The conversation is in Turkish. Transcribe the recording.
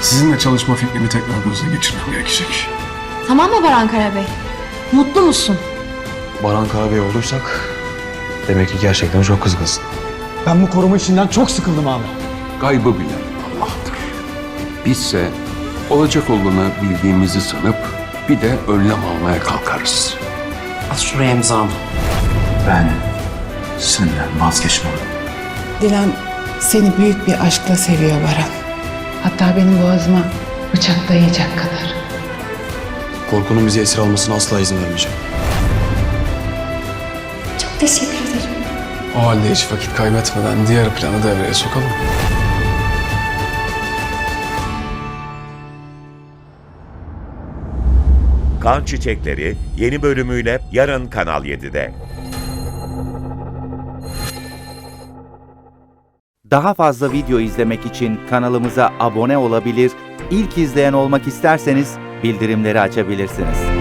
Sizinle çalışma fikrimi tekrar gözden geçirmem gerekecek. Tamam mı Baran Karabey? Mutlu musun? Baran Karabey olduysak demek ki gerçekten çok kızgınsın. Ben bu koruma işinden çok sıkıldım abi. Gaybı bilen Allah'tır. Bizse olacak olanı bildiğimizi sanıp bir de önlem almaya kalkarız. At şuraya imzamı. Ben senden vazgeçmem. Dilan seni büyük bir aşkla seviyor Baran. Hatta benim boğazıma bıçak dayayacak kadar. Korkunun bizi esir almasına asla izin vermeyeceğim. Çok teşekkür ederim. O halde hiç vakit kaybetmeden diğer planı devreye sokalım. Kan Çiçekleri yeni bölümüyle yarın Kanal 7'de. Daha fazla video izlemek için kanalımıza abone olabilir, ilk izleyen olmak isterseniz bildirimleri açabilirsiniz.